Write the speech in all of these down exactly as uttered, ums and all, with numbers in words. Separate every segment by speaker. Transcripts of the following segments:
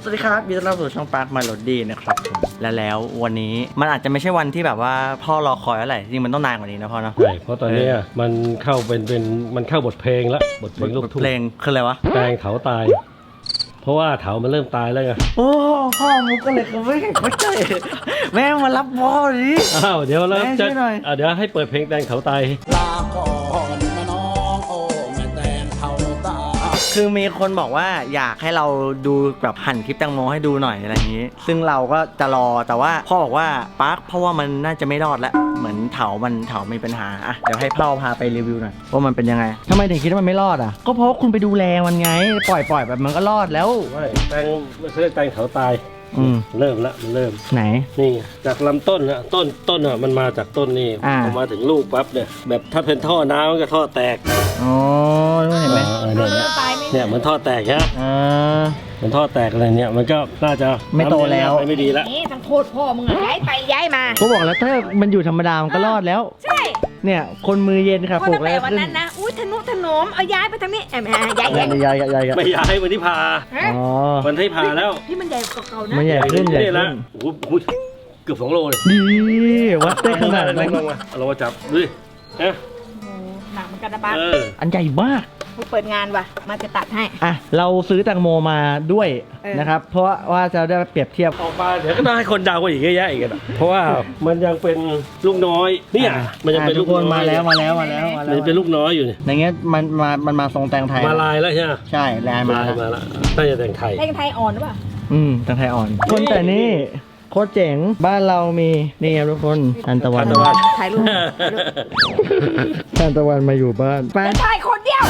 Speaker 1: สวัสดีครับยินดีต้อนรับสู่ช่องปาร์คมาโลดี้นะครับและแล้ววันนี้มันอาจจะไม่ใช่วันที่แบบว่าพ่อรอคอยอะไรจริงมันต้องนานกว่านี้นะพ่อเนาะ
Speaker 2: ใช่เพราะตอนนี้มันเข้าเป็นเป็นมันเข้าบทเพลงแล้วบทเพลงลูกทุ่ง
Speaker 1: เพลงคืออะไรวะ
Speaker 2: แตงเถาตายเพราะว่าเถามันเริ่มตายแล้วไง
Speaker 1: โอ้พ่อมุกก็เลยไม่ไม่ใช่แม่มารับพ่อดิ
Speaker 2: อ้าวเดี๋ยวแล้วจะเดี๋ยวให้เปิดเพลงแตงเถาตาย
Speaker 3: ลาก่อนนะน้องโอ้แม่แตงเถาตาย
Speaker 1: คือมีคนบอกว่าอยากให้เราดูแบบหั่นคลิปแตงโมให้ดูหน่อยอะไรอย่างนี้ซึ่งเราก็จะรอแต่ว่าพ่อบอกว่าปาร์คเพราะว่ามันน่าจะไม่รอดแล้วเหมือนเถามันเถามีปัญหาอ่ะเดี๋ยวให้พ่อพาไปรีวิวหน่อยว่ามันเป็นยังไงทำไมถึงคิดว่ามันไม่รอดอ่ะก็เพราะคุณไปดูแลมันไงปล่อยปล่อยแบบมันก็รอดแล้ว
Speaker 2: ไม่แตงไม่ใช่แตงเถาตาย
Speaker 1: อืม
Speaker 2: เริ่มละมันเริ่ม
Speaker 1: ไหน
Speaker 2: นี่จากลำต้นนะต้นต้นอ่ะมันมาจากต้นนี่พอมาถึงลูกปั๊บเนี่ยแบบถ้าเป็นท่อน้ำมันก็ท่อแตก
Speaker 1: อ๋อเห็นไหม
Speaker 2: เนี่ยเนี่ยเหมือนท่อแตกใช่ไหม
Speaker 1: อ่า
Speaker 2: เหมือนท่อแตกอะไรเนี่ยมันก็น่าจะ
Speaker 1: ไม่โตแล้ว
Speaker 2: ไม่ดีแล้ว
Speaker 4: นี่ทั้งโทษพ่อมึงอะย้ายไปย้ายมา
Speaker 1: เขาบอกแล้วถ้ามันอยู่ธรรมดามันก็รอดแล้ว
Speaker 4: ใช่
Speaker 1: เนี่ยคนมือเย็นค่ะปลูกแล้ว
Speaker 4: วันนั้นนะอุ้ยทนุถนอมเอาย้ายไปทางนี้แอมย้าย
Speaker 1: ย้ายย้ายย้าย
Speaker 2: ไม่ย้ายวันที่พา
Speaker 1: อ๋อ
Speaker 2: วันที่พาแล้ว
Speaker 4: ที่มันใหญ่กว่าเก่านะ
Speaker 1: มันใหญ่ขึ้นใหญ่ขึ้น
Speaker 2: โอ้โหเกือบสองโลเลย
Speaker 1: ดีวัดได้ขนาดนั้น
Speaker 2: ลงมาเราจับดูดิเอ๊ะ
Speaker 4: หนักมันกระบาด
Speaker 1: อันใหญ่มาก
Speaker 4: เปิดงานว่ะมาจะตัดให้
Speaker 1: อ่ะเราซื้อแตงโมมาด้วยนะครับเพราะว่าจะได้เปรียบเทียบ
Speaker 2: ออกมาเดี๋ยวก็ต้องให้คนดาวกันอีกเยอะแยะอีกอ่ะเพราะว่ามันยังเป็นลูกน้อยเนี่ยมันยังเป็นลูก
Speaker 1: คนมาแล้วมาแล้วมาแล้วมาแล้ว
Speaker 2: เป็นลูกน้อยอยู่เนี่ย
Speaker 1: ในเงี้ยมันมามันมาทรงแตงไทย
Speaker 2: มาลายแล้วใช่ไหม
Speaker 1: ใช่ลายมาแล้ว
Speaker 2: มาแล้วน่าจะแตงไทย
Speaker 4: แตงไทยอ่อนหรือเปล่า
Speaker 1: อืมแตงไทยอ่อนคนแต่นี่โคตรเจ๋งบ้านเรามีนี่ครับทุกคนทันตะวัน
Speaker 4: ถ่ายรูป
Speaker 1: ทันตะวันมาอยู่บ้าน
Speaker 4: แฟนถ่ายคนเดียว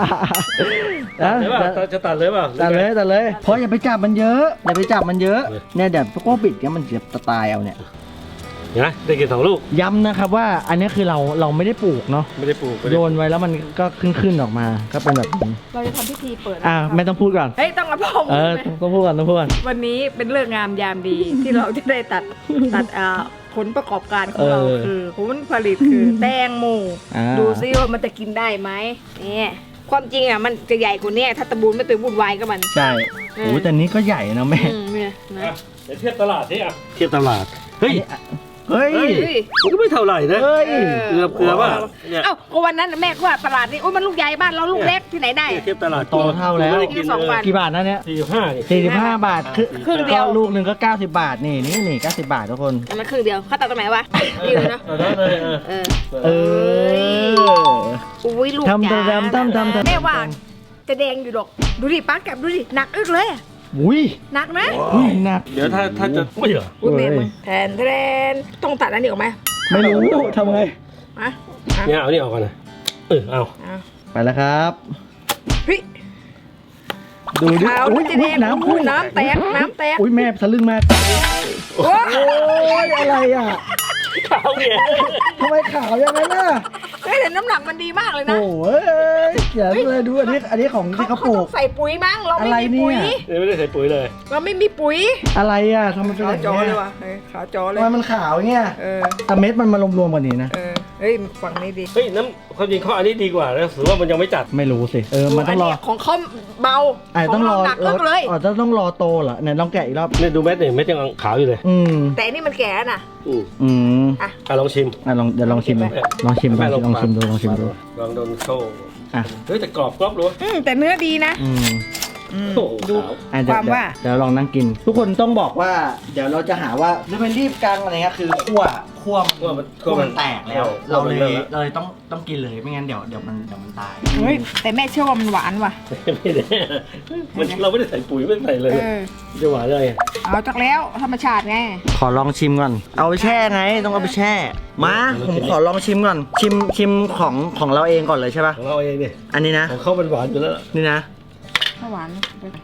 Speaker 2: จะตัดเลยเปล่า
Speaker 1: ตัดเลยตัดเลยเพราะอย่าไปจับมันเยอะอย่าไปจับมันเยอะเนี่ยเดี๋ยวพวกก็ปิดเนี่ยมันจะตายเอาเนี่ย
Speaker 2: นะได้กินสองลูก
Speaker 1: ย้ำนะครับว่าอันนี้คือเราเราไม่ได้ปลูกเนาะ
Speaker 2: ไม่ได้ปลูก
Speaker 1: โยนไว้แล้วมันก็ขึ้นขึ้นออกมาก็เป็นแบบนี้
Speaker 4: เราจะทำพิธีเปิด
Speaker 1: อ่าไม่ต้องพูดก่อน
Speaker 4: เฮ้ยต้องกระพง
Speaker 1: เออต้องพูดก่อนต้องพูดก่อน
Speaker 4: วันนี้เป็นเรื่องงามยามดีที่เราจะได้ตัดตัดอ่าผลประกอบการของเราคือผลผลิตคือแตงโมดูซิว่ามันจะกินได้ไหมเนี่ยความจริงอ่ะมันจะใหญ่กว่านี้ถ้าตะบูนไม่ไปวุ่นวายกับมัน
Speaker 1: ใช่โอ้แต่นี้ก็ใหญ่นะแม่
Speaker 4: เนี่ยนะ
Speaker 2: เดี๋ยวเทียบตลาดสิอ่ะเทียบตลาดเฮ้ย
Speaker 1: เฮ้ย
Speaker 2: มันก็ไม่เท่าไหร่นะ
Speaker 1: เฮ้ย
Speaker 2: เกือบเกือบว่า
Speaker 4: เอ้าก็วันนั้นแม่ก็ว่าตลาดนี้โอ้ยมันลูกใหญ่บ้านเราลูกเล็กที่ไหนได้
Speaker 2: เทียบตลาด
Speaker 1: โตเท่าแล้วกี่บาทนะเนี่ย
Speaker 2: สี่สิบห้า
Speaker 1: สี่สิบห้าบาทครึ่งเดียวลูกหนึ่งก็เก้าสิบบาทนี่นี่นี่เก้าสิบบาททุกคน
Speaker 4: มันครึ่งเดียวเขาตัดตรงไหนวะนี่เลยนะเออเอ
Speaker 1: อ
Speaker 4: อุ้ยลูกใหญ่ทำทำทำทำแม่ว่าจะแดงอยู่ดอกดูดิป้าแกดูดิหนักอึกเลย
Speaker 1: อุ้ย
Speaker 4: หนักนะ
Speaker 1: อุ้ยหนัก
Speaker 2: เดี๋ยวถ้าถ้าจะไม่เหรอ
Speaker 4: อุ้ยแม่มึงแทนแทนต้องตัดอันนี้ออกไหม
Speaker 1: ไม่รู้ทำไง
Speaker 4: มา
Speaker 2: เนี่ยเอานี่ออกก่อนนะเออเอา
Speaker 1: ไปแล้วครับ
Speaker 4: เฮ้ย
Speaker 1: ดูดิ
Speaker 4: อุ้ยน้ำพุ่งน้ำแตกน้ำแตก
Speaker 1: อุ้ยแม่ทะลึ่งมากโอ้ยอะไรอ่ะ
Speaker 2: ขาวเนี่ย
Speaker 1: ทำไมขาวอย่างนั้นน่ะ
Speaker 4: เฮ้ยแต่น้ำหนักมันดีมากเลยนะ
Speaker 1: โอ้ยเขียนเลยดูอันนี้อันนี้ของที่เขาปลูก
Speaker 4: ใส่ปุ๋ยมั้งเราไม่มีปุ๋ย
Speaker 2: ไม่ได้ใส่ปุ๋ยเลย
Speaker 4: เราไม่มีปุ๋ย
Speaker 1: อะไรอ่ะทำไมเป็นแบบนี้
Speaker 4: ขาวจอเลยวะขาวจอเลย
Speaker 1: ทำไมมันขาวเงี้ยแต่เม็ดมันมารวมๆกันนี่นะ
Speaker 4: เฮ้ยฝั่งนี้ดี
Speaker 2: เฮ้ยน้ำความจริงข้ออันนี้ดีกว่านะถือว่ามันยังไม่จัด
Speaker 1: ไม่รู้สิเออมันต้องรอ
Speaker 4: ของเขาเบา
Speaker 1: ไอ้ต้องรอเลยอ๋อต้องต้องรอโตเหรอเนี่ยลองแกะอีกรอบ
Speaker 2: เนี่ยดูเม็ดเนี่ยเม็ดยังขาวอยู่เลย
Speaker 1: อืม
Speaker 4: แต่นี่มันแก่แล้วนะ
Speaker 2: อืม
Speaker 1: อืม
Speaker 2: อ่ะลองชิม
Speaker 1: อ่ะลองเดี๋ยวลองชิมลองชิมลองชิมดูลองชิมดู
Speaker 2: ลองโดนโซ่อ่ะเฮ้ยแต่กรอบกรอบรู้
Speaker 4: อืมแต่เนื้อดีนะ
Speaker 1: อืม
Speaker 4: ดูความว่า
Speaker 1: เดี๋ยวลองนั่งกินทุกคนต้องบอกว่าเดี๋ยวเราจะหาว่าจะเป็นรีบกลางอะไรเงี้ยคือคั่วคั่วมันคั่วมันแตกแล้วเราเลยเราเลยต้องต้องกินเลยไม่งั้นเดี๋ยวเดี๋ยวมันเดี๋ยวมันตาย
Speaker 4: เฮ้ยแต่แม่เชื่อว่ามันหวานว่ะ
Speaker 2: ไม่ได้มันเราไม่ได้ใส่ปุ๋ยไม่ใส่เลยจะหวานเลย
Speaker 4: เอาจากแล้วธรรมชาติไง
Speaker 1: ขอลองชิมก่อนเอาไปแช่ไงต้องเอาไปแช่มาผมขอลองชิมก่อนชิมชิมของของเราเองก่อนเลยใช่ป่ะ
Speaker 2: ของเราเองเนี่ย
Speaker 1: อันนี้นะ
Speaker 2: ของเขาเป็นหวานอยู่แล้ว
Speaker 1: นี่นะ
Speaker 4: หวาน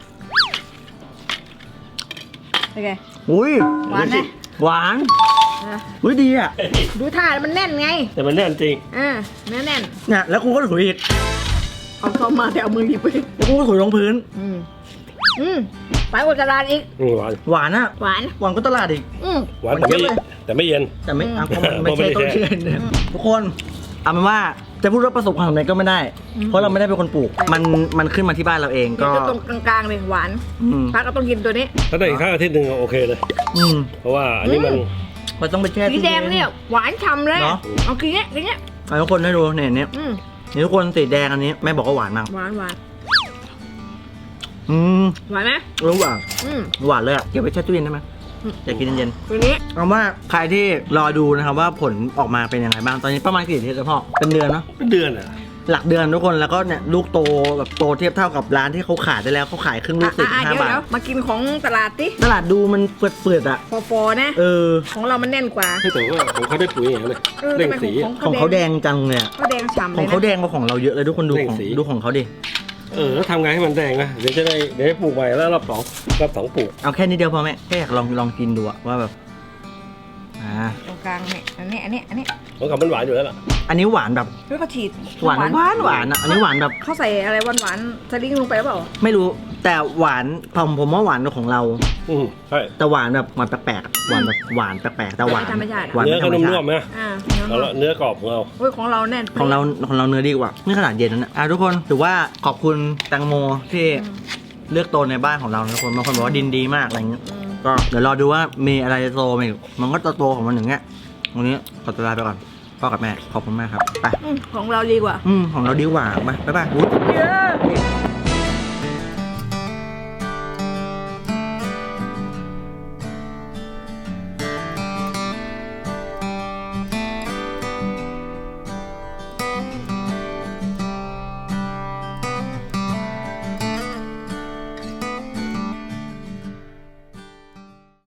Speaker 4: เป็นไง
Speaker 1: อุ้ย
Speaker 4: หวานนะ
Speaker 1: หวานอุ้ยดีอ่ะ
Speaker 4: ดูท่ามันแน่นไง
Speaker 2: แต่มันแน่นจริง
Speaker 4: อ่าเนื้อแน่น
Speaker 1: เนี่ยแล้วกูก็ถุยอีก
Speaker 4: เอาเข้ามาแต่เอามือหยิบไป
Speaker 1: แล้วกูก็ถุยลงพื้น
Speaker 4: อืมอืมหวานกว่าตลาดอีก
Speaker 2: หวาน
Speaker 1: หวานอ่ะ
Speaker 4: หวาน
Speaker 1: หวานก็ตลาดอีก
Speaker 2: หวานแต่ไม่แต่ไม่เย็น
Speaker 1: แต่ไม่ไม่ใช่ต้นเชือกทุกคนอเอาเป็นว่าจะพูดว่าประสบความสำเร็จก็ไม่ได้
Speaker 4: อืม
Speaker 1: เพราะเราไม่ได้เป็นคนปลูก มันมันขึ้นมาที่บ้านเราเอง
Speaker 4: ก็
Speaker 1: ก็
Speaker 4: ตรงกลางๆเลยหวาน
Speaker 1: อืม
Speaker 4: พักก็ต้องกินตัวนี้
Speaker 2: ถ้าได้อีกข้างอาทิตย์หนึ่งโอเคเลย
Speaker 1: อืม
Speaker 2: เพราะว่าอันนี้มัน
Speaker 1: มันต้องไปแช่
Speaker 4: สี
Speaker 1: ตู้
Speaker 4: แด
Speaker 1: เย็
Speaker 4: งเนี่ยหวานฉ่ำเลย
Speaker 1: เนอะ
Speaker 4: เอากินเนี้ยกินเนี้ย
Speaker 1: เอาทุกคนให้ดูเนี่ยเนี่ย
Speaker 4: อืม
Speaker 1: นี่ทุกคนสีแดงอันนี้แม่บอกว่าหวานมาก
Speaker 4: หวานหวาน
Speaker 1: อืม
Speaker 4: หวานไหม
Speaker 1: รู้หวาน
Speaker 4: อืม
Speaker 1: หวานเลยอ่ะเก็บไว้แช่ตู้เย็นได้ไหม
Speaker 4: อืม
Speaker 1: อยากกินเย็น
Speaker 4: ตัวนี้
Speaker 1: ๆเอาว่าใครที่รอดูนะครับว่าผลออกมาเป็นยังไงบ้างตอนนี้ประมาณกี่อาทิตย์แล้วพ่อเป็นเดือนเนาะ
Speaker 2: เป็นเดือนอ่ะ
Speaker 1: หลักเดือนทุกคนแล้วก็เนี่ยลูกโตแบบโตเทียบเท่ากับร้านที่เขาขายได้แล้วเขาขายครึ่งลู
Speaker 4: อ่ะ
Speaker 1: กสิบ
Speaker 4: อ่ะ
Speaker 1: ห้า
Speaker 4: เดี๋ยว
Speaker 1: บาท
Speaker 4: เดี๋ยวมากินของตลาดติ
Speaker 1: ตลาดดูมันเปื่อยๆอ่ะ
Speaker 4: ฟอๆนะ
Speaker 1: เออ
Speaker 4: ของเรามันแน่นกว่า
Speaker 2: ให้แต่ว่าของเขาได้ปุ๋ยอย่างนี้เลย
Speaker 4: เออ
Speaker 2: เร่ง
Speaker 4: ทำไม
Speaker 2: สี
Speaker 4: ของ
Speaker 1: ของเขาแดงจังเลยอะ
Speaker 4: เขาแดงฉ่ำ
Speaker 1: ข
Speaker 4: เล
Speaker 1: อง
Speaker 4: ย
Speaker 1: เขา
Speaker 4: นะ
Speaker 1: แดงกว่าของเราเยอะเลยทุกคนดู
Speaker 2: เร่ง
Speaker 1: ของ
Speaker 2: สี
Speaker 1: ดูของเขาดิ
Speaker 2: เออแล้วทำไงให้มันแดงนะเดี๋ยวจะได้เดี๋ยวให้ปลูกใหม่แล้วรอบสองรอบสองปลูก
Speaker 1: เอาแค่นี้เดียวพอแม่แค่อยากลองลองกินดูอะว่าแบบอ่า
Speaker 4: ตรงกลางเนี่ยอันนี้อันนี้อันนี้
Speaker 2: ของเขามันหวานอยู่แล้วล่ะ
Speaker 1: อันนี้หวานแบบ
Speaker 4: เฮ้ยเขาฉีด
Speaker 1: หวานหวานหวานอะอันนี้หวานแบบ
Speaker 4: เขาใส่อะไรหวานหวานๆสลิงลงไปหรือเปล่า
Speaker 1: ไม่รู้แต่หวานผมผมว่าหวานกว่าของเรา
Speaker 2: อืมใช่
Speaker 1: แต่หวานแบบหวานแปลกๆอะหวานแบบหวานแปลกๆแต่หวาน
Speaker 4: ธรรมชาติ
Speaker 1: หวาน
Speaker 2: เนื้อ
Speaker 1: ไม่ธร
Speaker 2: ก็
Speaker 1: รมชา
Speaker 2: นุ่ม
Speaker 1: ติ
Speaker 2: ๆนะ
Speaker 4: อ่า
Speaker 2: เอาละเนื้อกรอบของเรา
Speaker 4: เฮ้ยของเราแน่น
Speaker 1: ของเราของเราเนื้อดีกว่านี่ขนาดเย็นแล้วนะอ่ะทุกคนถือว่าขอบคุณแตงโมที่เลือกโตในบ้านของเรานะทุกคนบางคนบอกว่าดินดีมากอะไรเงี้ย
Speaker 4: อืม
Speaker 1: ก็เดี๋ยวรอดูว่ามีอะไรจะโตมาอีกมันก็โตๆของมันอย่างเงี้ยวันนี้ขอตัวลาไปก่อนพ่อกับแม่ขอบคุณมากครับไป
Speaker 4: อืมของเราดีกว่า
Speaker 1: อืมของเราดีกว่าไปบ๊ายบายอุ๊ย